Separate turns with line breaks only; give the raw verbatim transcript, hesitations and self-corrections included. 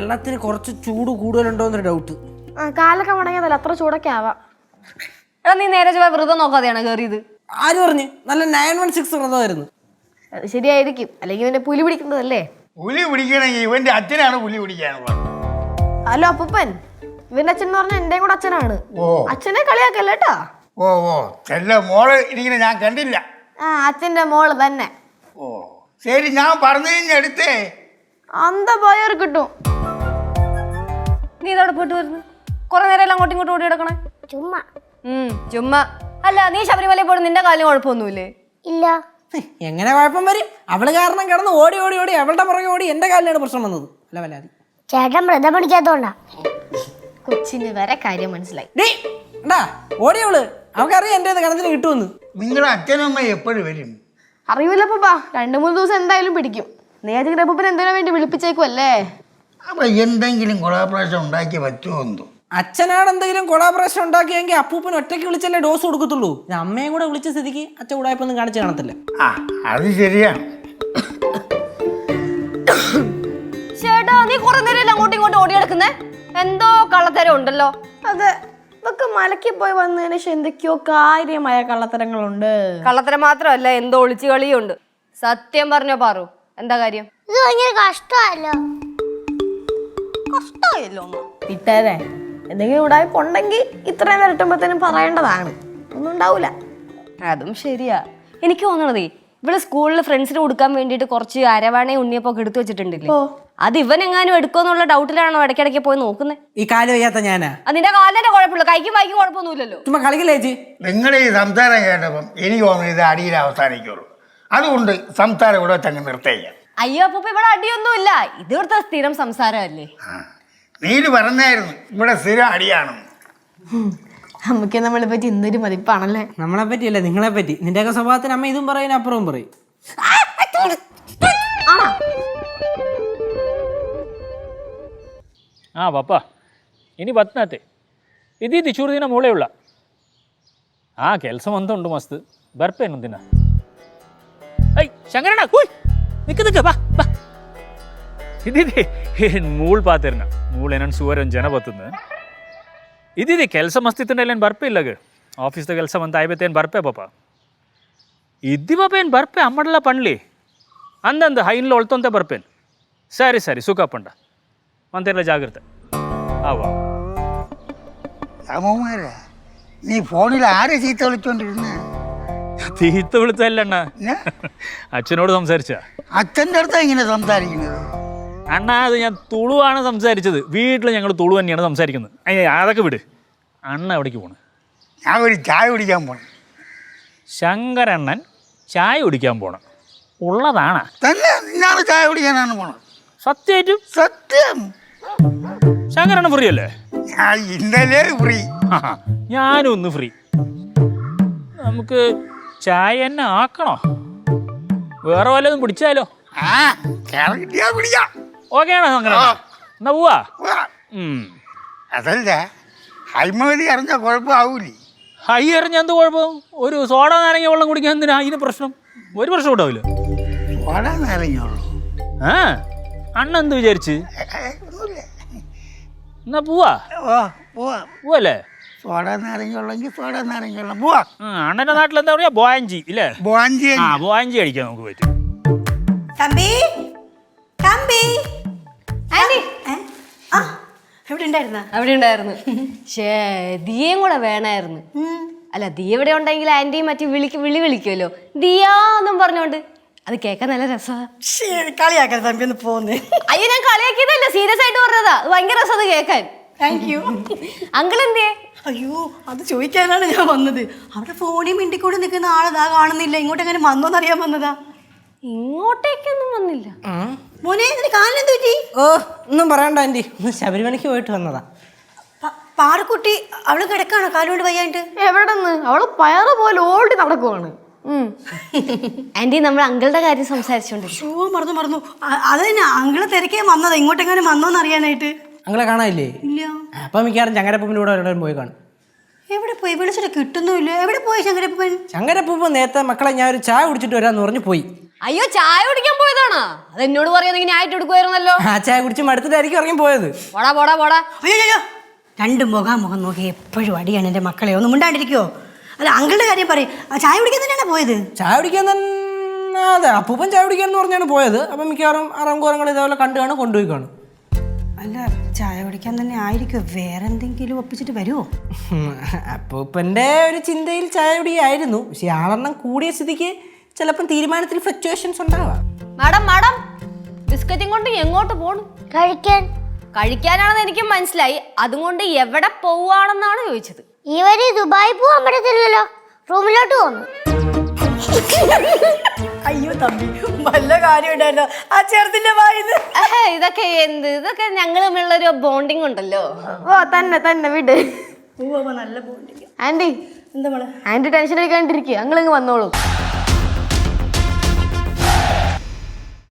വെള്ളത്തിന് കുറച്ച് ചൂട് കൂടുതലുണ്ടോ എന്നൊരു ഡൗട്ട്.
ആ കാലൊക്കെ മുടങ്ങിയതല്ല, അത്ര ചൂടൊക്കെ ആവാം.
എടാ നീ നേരെ ചൊവ്വ വ്രതം നോക്കാതെയാണ് കയറിയത്.
ആര് പറഞ്ഞു? നല്ല നയൻ വൺ സിക്സ് വ്രതമായിരുന്നു.
അത് ശരിയായിരിക്കും, അല്ലെങ്കിൽ ഇവന്റെ പുലി പിടിക്കുന്നതല്ലേ.
പുലി പിടിക്കണമെങ്കിൽ ഇവന്റെ അച്ഛനാണ് പുലി പിടിക്കാനുള്ളത്.
ഹലോ അപ്പൂപ്പൻ, ഇവന്റെ അച്ഛൻ എന്ന് പറഞ്ഞാൽ എന്റെയും കൂടെ അച്ഛനാണ്.
ഓ
അച്ഛനെ കളിയാക്കല്ലേ കേട്ടാ.
ഓ ഓ ചെല്ല മോള് ഇരിക്കുന്ന ഞാൻ കണ്ടില്ല.
ആ അച്ഛന്റെ മോള് തന്നെ.
ഓ ശരി, ഞാൻ പറഞ്ഞു കഴിഞ്ഞെടുത്തേ.
അന്ത പോയവർ കിട്ടും.
നീ ഇതോടെ പോയിട്ട് വരുന്നു കുറെ നേരം എല്ലാം അങ്ങോട്ടും ഇങ്ങോട്ടും ഓടി കിടക്കണേ.
ചുമ്മാ
ഉം ചുമ്മാ. അല്ല നീ ശബരിമലയിൽ പോയി നിന്റെ കാലിന് കുഴപ്പമൊന്നുമില്ലേ?
ഇല്ല.
എങ്ങനെ കുഴപ്പം വരും? അവള് കാരണം കിടന്ന് ഓടി ഓടി ഓടി അവളുടെ പുറകെ ഓടി എന്റെ കാലിലാണ് പ്രശ്നം വന്നത്. അല്ല വല്ലാതി
ചേട്ടൻ വ്രതം പിടിക്കാത്തോണ്ടാ.
കൊച്ചിന് വരെ കാര്യം മനസ്സിലായി.
ഡാ ഓടിയവള്, അവൾക്കറിയാം എന്റെ കണത്തിന് കിട്ടുമെന്ന്.
നിങ്ങളുടെ അച്ഛനും അമ്മ എപ്പോഴും വരും?
അറിയില്ല അപ്പൂപ്പാ, രണ്ടു മൂന്ന് ദിവസം എന്തായാലും പിടിക്കും. നേരത്തെ അപ്പൂപ്പൻ എന്തിനാ വേണ്ടി വിളിപ്പിച്ചേക്കുമല്ലേ.
അപ്പൊ എന്തെങ്കിലും കൊളാപ്രാശം ഉണ്ടാക്കി പറ്റുമോ എന്തോ?
അച്ഛനാണ് എന്തെങ്കിലും കൊളാബറേഷൻ ഉണ്ടാക്കിയെങ്കിൽ അപ്പൂപ്പൻ ഒറ്റയ്ക്ക് വിളിച്ചല്ലേ ഡോസ് കൊടുക്കത്തുള്ളൂ. അമ്മയും കൂടെ വിളിച്ച സ്ഥിതിക്ക് അച്ഛൻ ഉടായ്പൊന്നും കാണിച്ച് കാണത്തില്ല.
ആ അത് ശരിയാണ്.
ചേട്ടാ നീ കുറെ നേരം എല്ലാം അങ്ങോട്ടും ഇങ്ങോട്ടും ഓടി കിടക്കുന്നേ, എന്തോ കള്ളത്തരം ഉണ്ടല്ലോ.
അതെ, ഇതൊക്കെ മലക്കി പോയി വന്നതിന് ശേഷം എന്തൊക്കെയോ കാര്യമായ കള്ളത്തരങ്ങളുണ്ട്.
കള്ളത്തരം മാത്രമല്ല, എന്തോ ഒളിച്ചു കളിയും ഉണ്ട്. സത്യം പറഞ്ഞോ പാറു, എന്താ കാര്യം?
ഇത് ഭയങ്കര കഷ്ടമല്ലോ.
കഷ്ടമായല്ലോ വിട്ടേരെ. എന്തെങ്കിലും ഉടായ്പ ഉണ്ടെങ്കിൽ ഇത്രയും വരട്ടുമ്പോഴത്തേനും പറയേണ്ടതാണ്. ഒന്നും ഉണ്ടാവൂല.
അതും ശരിയാ. എനിക്ക് തോന്നണതേ ഇവിടെ സ്കൂളിൽ ഫ്രണ്ട്സിന് കൊടുക്കാൻ വേണ്ടിയിട്ട് കുറച്ച് അരവാണയും ഉണ്ണിയപ്പൊക്കെ എടുത്തു വെച്ചിട്ടുണ്ടല്ലേ, അത് ഇവൻ എങ്ങാനും എടുക്കുമെന്നുള്ള ഡൗട്ടിലാണോ ഇടയ്ക്കിടയ്ക്ക് പോയി നോക്കുന്നത്?
ഈ കാല് വയ്യാത്ത ഞാനാ.
അതിന്റെ കാലിന്റെ കുഴപ്പമില്ല, കൈക്കും വായിക്കും കുഴപ്പമൊന്നുമില്ലല്ലോ.
ചുമ്മാ കളിക്കില്ലേ ചേച്ചി?
നിങ്ങളുടെ ഈ സംസാരം കേട്ടപ്പം എനിക്ക് തോന്നുന്നു ഇത് അടിയിൽ അവസാനിക്കുള്ളൂ. അതുകൊണ്ട് സംസാരം ഇവിടെ തന്നെ നിർത്തേക്കാം.
അയ്യോ അപ്പൊ ഇവിടെ അടിയൊന്നുമില്ല, ഇത് ഇവിടുത്തെ സ്ഥിരം സംസാരമല്ലേ.
നീല് പറഞ്ഞായിരുന്നു ഇവിടെ സ്ഥിരം അടിയാണെന്ന്.
നമുക്ക് നമ്മളെ പറ്റി എന്തൊരു മതിപ്പാണല്ലേ.
നമ്മളെ പറ്റിയല്ലേ, നിങ്ങളെ പറ്റി. നിന്റെയൊക്കെ സ്വഭാവത്തിന് അമ്മ ഇതും പറയും അപ്പുറവും പറയും.
ಹಾಂ ಬಾಪ ಇನಿ ಬತ್ನತೆ ಇದ್ದಿದ್ದು ಚೂರು ದಿನ ಮೂಳೆ ಉಳ್ಳ. ಹಾಂ ಕೆಲಸ ಅಂತ ಉಂಟು ಮಸ್ತ್, ಬರ್ಪೇನು ದಿನ. ಐ ಶಂಕರಣ್ಣ ಕೂಯ್ ನಿಕ್ಕ ನಿಕ್ಕ ಬಾ ಬಾ. ಇದ್ದಿದ್ದಿ ಮೂಳು ಪಾತಿರ್ನ ಮೂಳೇನನ್ನು ಸುವರ್ ಒಂದು ಜನ ಬರ್ತದ. ಇದ್ದಿದ್ದಿ ಕೆಲಸ ಮಸ್ತ್ ಇತ್ತಂದ್ರೆ ಏನು ಬರ್ಪೆ ಇಲ್ಲಾಗ ಆಫೀಸ್ದ ಕೆಲಸ ಅಂತ ಆಯ್ಬತ್ತೆ ಏನು ಬರ್ಪೆ ಪಾಪ. ಇದ್ದಿ ಪಾಪ ಏನು ಬರ್ಪೆ ಅಮ್ಮಡಲ್ಲ ಪಣ್ಲಿ ಅಂದಂದು ಹೈನ್ಲ ಒಳ್ತಂತೆ ಬರ್ಪೇನು. ಸರಿ ಸರಿ ಸುಖ ಪಂಡ ಮಂತೆಲ್ಲ ಜಾಗ್ರತೆ. ആവാ
രാമകുമാരാ, നീ ഫോണിൽ ആരെ ചീത്ത വിളിച്ചോണ്ടിരുന്ന?
തീത്ത വിളിച്ചല്ല അച്ഛനോട് സംസാരിച്ച.
അച്ഛൻ്റെ അടുത്താ ഇങ്ങനെ സംസാരിക്കുന്നത്?
അണ്ണാ അത് ഞാൻ തുളുവാണ് സംസാരിച്ചത്. വീട്ടിൽ ഞങ്ങൾ തുളു തന്നെയാണ് സംസാരിക്കുന്നത്. അതൊക്കെ വിട്. അണ്ണ എവിടേക്ക് പോണ്?
ഞാൻ ഒരു ചായ കുടിക്കാൻ പോണം.
ശങ്കരണ്ണൻ ചായ കുടിക്കാൻ പോണം ഉള്ളതാണ്
തന്നെ? നിന്നാണ് ചായ കുടിക്കാനാണ് പോണം?
സത്യമായിട്ടും?
സത്യം.
ശങ്കരണ്ണൻ ഫ്രീ അല്ലേ?
ഞാൻ ഇന്നലെ ഫ്രീ.
ഞാനും ഒന്ന് ഫ്രീ. നമുക്ക് ചായ തന്നെ ആക്കണോ? വേറെ വല്ലതും പിടിച്ചാലോ?
ആ കിട്ടിയാ കുടിക്കാം.
ഓക്കെ ആണോ ശങ്കരണ്ണ? എന്നാ പോവാ.
അതല്ല, ഹൈമതി അറിഞ്ഞ കുഴപ്പമാവൂലേ?
ഹൈ എറിഞ്ഞ എന്ത് കുഴപ്പം? ഒരു സോഡ നാരങ്ങ വെള്ളം കുടിക്കാൻ എന്തിനാ അതിന് പ്രശ്നം? ഒരു പ്രശ്നം ഉണ്ടാവില്ല.
സോഡ നാരങ്ങയുള്ളൂ.
ആ അണ്ണ എന്ത് വിചാരിച്ച്? എന്നാ പോവാ.
ഓ പോവാ.
പോവല്ലേ?
സോഡ നാരങ്ങയുള്ളെങ്കിൽ സോഡ നാരങ്ങയുള്ള പോവാ.
അണ്ണന്റെ നാട്ടിൽ എന്താ പറയാ? ബോയഞ്ചി ഇല്ലേ?
ബോഞ്ചി.
ആ ബോയഞ്ചി കഴിക്കാൻ നമുക്ക് പറ്റും.
തമ്പി തമ്പി എവിടെ ഉണ്ടായിരുന്ന?
അവിടെ ഉണ്ടായിരുന്നു. ഷേ ദിയയും കൂടെ വേണമായിരുന്നു. അല്ല ദിയ ഇവിടെ ഉണ്ടെങ്കിൽ ആന്റിയും മറ്റു വിളിക്ക് വിളി വിളിക്കുമല്ലോ ദിയാന്നും പറഞ്ഞോണ്ട്. അത് കേൾക്കാൻ നല്ല രസമാണ്.
കളിയാക്കാൻ തമ്പി ഒന്ന് പോന്ന്.
അയ്യോ ഞാൻ കളിയാക്കിയതല്ല, സീരിയസ് ആയിട്ട് പറഞ്ഞതാ. അത് ഭയങ്കര രസം അത് കേൾക്കാൻ.
Thank you.
അങ്കിൾ എന്തേ?
അയ്യോ അത് ചോദിക്കാനാണ് ഞാൻ വന്നത്. അവിടെ ഫോണിൽ മിണ്ടിക്കൂടി നിൽക്കുന്ന ആളതാ കാണുന്നില്ല. ഇങ്ങോട്ട് എങ്ങനെ വന്നോന്നറിയാൻ വന്നതാ.
ഇങ്ങോട്ടേക്കൊന്നും വന്നില്ല.
മോനെ ഇതിന് കാലിനെന്ത് പറ്റി?
ഓ ഒന്നും പറയണ്ട ആൻറ്റി, ഒന്ന് ശബരിമലയ്ക്ക് പോയിട്ട് വന്നതാ.
പാറക്കുട്ടി അവള് കിടക്കാണോ കാലുകൊണ്ട് വയ്യാണ്ട്?
എവിടെ നിന്ന്? അവള് പയറ് പോലെ ഓടി നടക്കുവാണ്.
ആന്റി നമ്മൾ അങ്കിളുടെ കാര്യം സംസാരിച്ചോണ്ട്.
ഷൂ മറന്നു മറന്നു. അത് തന്നെ അങ്കിള് തിരക്കേ വന്നതാ, ഇങ്ങോട്ടെങ്ങനെ വന്നോന്ന് അറിയാനായിട്ട്.
അങ്ങളെ കാണാനില്ലേ?
ഇല്ല.
അപ്പം മിക്കവാറും ചങ്ങരപ്പൂപ്പിൻ്റെ കൂടെ എവിടെയും പോയി കാണും.
എവിടെ പോയി? വിളിച്ചിട്ട് കിട്ടുന്നുമില്ല. എവിടെ പോയി ശങ്കരപ്പൻ?
ചങ്ങരപ്പൂപ്പ് നേരത്തെ മക്കളെ ഞാൻ ഒരു ചായ കുടിച്ചിട്ട് വരാമെന്ന് പറഞ്ഞു പോയി.
അയ്യോ ചായ കുടിക്കാൻ പോയതാണോ? അത് എന്നോട് പറയാന്നെങ്കിൽ ആയിട്ട് എടുക്കുമായിരുന്നല്ലോ.
ആ ചായ കുടിച്ച് മടുത്തിട്ടായിരിക്കും ഇറങ്ങി പോയത്.
പോടാ പോടാ പോടാ.
അയ്യോ അയ്യോ രണ്ട് മുഖാമുഖം നോക്കി എപ്പോഴും അടിയാണ് എൻ്റെ മക്കളെ. ഒന്നും മിണ്ടാണ്ടിരിക്കുവോ? അല്ല അങ്കിളുടെ കാര്യം പറയും. ആ ചായ കുടിക്കാൻ തന്നെയാണ് പോയത്.
ചായ കുടിക്കാൻ തന്നെ അതെ അപ്പൂപ്പൻ ചായ കുടിക്കാൻ എന്ന് പറഞ്ഞാണ് പോയത്. അപ്പം മിക്കവാറും അറങ്കോറങ്ങൾ ഇതേപോലെ കണ്ടു കാണും കൊണ്ടുപോയി കാണും.
അല്ല ചായ കുടിക്കാൻ തന്നെ ആയിരിക്കും. വേറെ എന്തെങ്കിലും ഒപ്പിച്ചിട്ട് വരുമോ?
അപ്പൂപ്പൻ്റെ ഒരു ചിന്തയിൽ ചായ കുടിയായിരുന്നു. പക്ഷെ ആളെണ്ണം കൂടിയ സ്ഥിതിക്ക് ചിലപ്പം തീരുമാനത്തിൽ ഫ്ലക്ച്വേഷൻസ് ഉണ്ടാവാം.
മാഡം മാഡം ബിസ്ക്കറ്റും കൊണ്ട് എങ്ങോട്ട് പോണു?
കഴിക്കാൻ.
കഴിക്കാനാണെന്ന് എനിക്ക് മനസ്സിലായി. അതുകൊണ്ട് എവിടെ പോവാണെന്നാണ് ചോദിച്ചത്.
ഇവര് ദുബായി പോവാൻ പറ്റത്തില്ലല്ലോ, റൂമിലോട്ട് പോന്നു.
അയ്യോ തമ്പി വല്ല കാര്യം ഉണ്ടായിരുന്നോ ആ ചെറുതിന്റെ വായത്?
ഏഹ്, ഇതൊക്കെ എന്ത് ഇതൊക്കെ ഞങ്ങൾ തമ്മിലുള്ളൊരു ബോണ്ടിങ് ഉണ്ടല്ലോ.
ഓ തന്നെ തന്നെ വിട്.
നല്ല ബോണ്ടിങ്.
ആന്റി
എന്താ മോളെ?
ആന്റി ടെൻഷൻ എടുക്കാണ്ടിരിക്കുക, ഞങ്ങളിങ്ങ് വന്നോളൂ.